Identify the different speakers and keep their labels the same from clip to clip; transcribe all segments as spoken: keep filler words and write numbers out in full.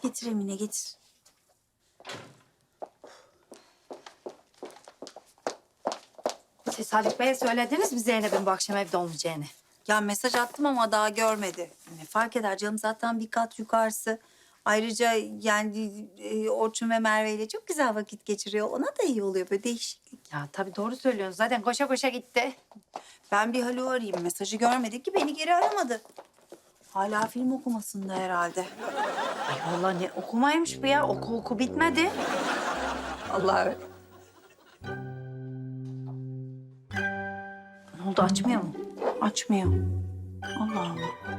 Speaker 1: Getir Emine, getir.
Speaker 2: Siz Haluk Bey'e söylediniz mi Zeynep'in bu akşam evde olmayacağını?
Speaker 1: Ya mesaj attım ama daha görmedi. Ne fark eder canım, zaten bir kat yukarısı. Ayrıca yani e, Orçun ve Merve ile çok güzel vakit geçiriyor. Ona da iyi oluyor, böyle değişiklik.
Speaker 2: Ya tabii doğru söylüyorsun. Zaten koşa koşa gitti.
Speaker 1: Ben bir Haluk'u arayayım. Mesajı görmedi ki beni geri aramadı. Hala film okumasında herhalde.
Speaker 2: Ay vallahi ne okumaymış bu ya. Oku oku bitmedi.
Speaker 1: Allah.
Speaker 2: Ne oldu, açmıyor mu?
Speaker 1: Açmıyor. Allah Allah.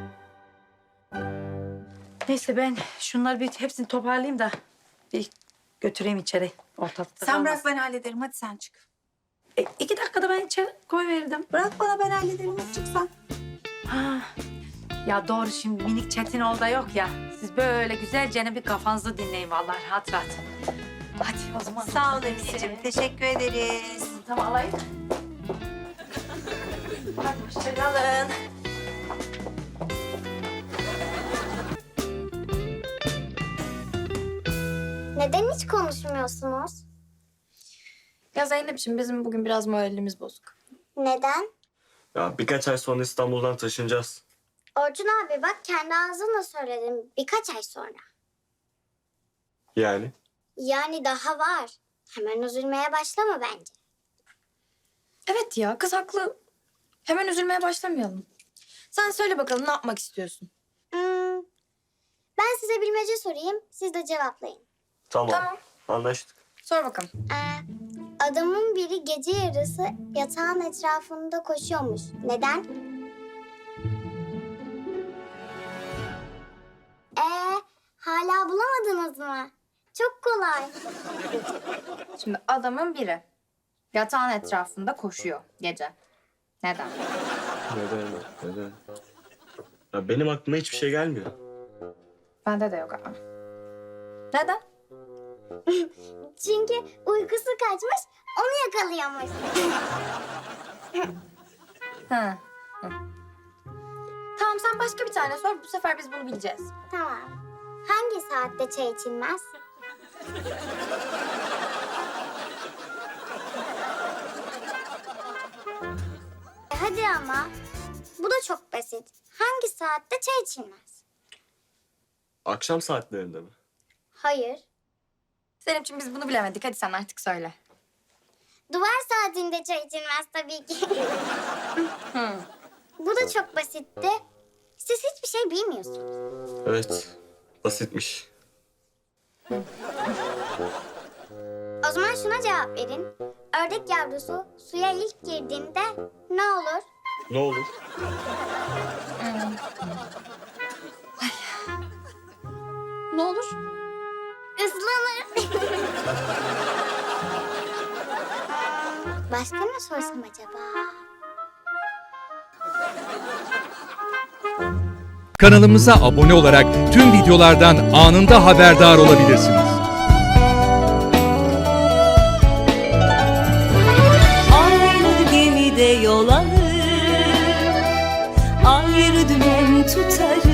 Speaker 2: Neyse ben şunları bir hepsini toparlayayım da bir götüreyim içeri. Ortalıkta
Speaker 1: Sen bırak,
Speaker 2: kalmasın.
Speaker 1: ben hallederim. Hadi sen çık.
Speaker 2: E, iki dakikada ben içeri koyverirdim.
Speaker 1: Bırak bana, ben hallederim. Hadi çık sen.
Speaker 2: Ha. Ya doğru, şimdi minik Çetin orada yok ya. Siz böyle güzelce bir kafanızı dinleyin vallahi, rahat rahat. Hadi o zaman.
Speaker 1: Sağ ol Emineciğim. Teşekkür ederiz.
Speaker 2: Tamam, alayım. Hadi hoşçakalın.
Speaker 3: Neden hiç konuşmuyorsunuz?
Speaker 4: Ya Zeynep'ciğim bizim bugün biraz moralimiz bozuk.
Speaker 3: Neden?
Speaker 5: Ya birkaç ay sonra İstanbul'dan taşınacağız.
Speaker 3: Orçun abi bak, kendi ağzınla söyledin, birkaç ay sonra.
Speaker 5: Yani?
Speaker 3: Yani daha var. Hemen üzülmeye başlama bence.
Speaker 4: Evet ya kız haklı. Hemen üzülmeye başlamayalım. Sen söyle bakalım ne yapmak istiyorsun?
Speaker 3: Hmm, ben size bilmece sorayım, siz de cevaplayın.
Speaker 5: Tamam.
Speaker 4: Tamam.
Speaker 5: Anlaştık.
Speaker 4: Sor bakalım.
Speaker 3: Ee, adamın biri gece yarısı yatağın etrafında koşuyormuş. Neden? Ee, hala bulamadınız mı? Çok kolay.
Speaker 4: Şimdi adamın biri yatağın etrafında koşuyor gece. Neden?
Speaker 5: Neden? Neden? Ya benim aklıma hiçbir şey gelmiyor.
Speaker 4: Bende de yok ama. Neden?
Speaker 3: Çünkü uykusu kaçmış, onu yakalıyormuş.
Speaker 4: Hı. Hı. Tamam sen başka bir tane sor. Bu sefer biz bunu bileceğiz.
Speaker 3: Tamam. Hangi saatte çay içilmez? E hadi ama. Bu da çok basit. Hangi saatte çay içilmez?
Speaker 5: Akşam saatlerinde mi?
Speaker 3: Hayır.
Speaker 4: Zeynep'ciğim biz bunu bilemedik. Hadi sen artık söyle.
Speaker 3: Duvar saatinde çay içilmez tabii ki. Bu da çok basitti. Siz hiçbir şey bilmiyorsunuz.
Speaker 5: Evet. Basitmiş.
Speaker 3: O zaman şuna cevap verin. Ördek yavrusu suya ilk girdiğinde ne olur?
Speaker 5: Ne olur?
Speaker 4: Ne olur?
Speaker 3: Islanır. Başka ne sorsam acaba?
Speaker 6: Kanalımıza abone olarak tüm videolardan anında haberdar olabilirsiniz.
Speaker 7: Aynı gemide yol alır, ayrı dümen tutarız.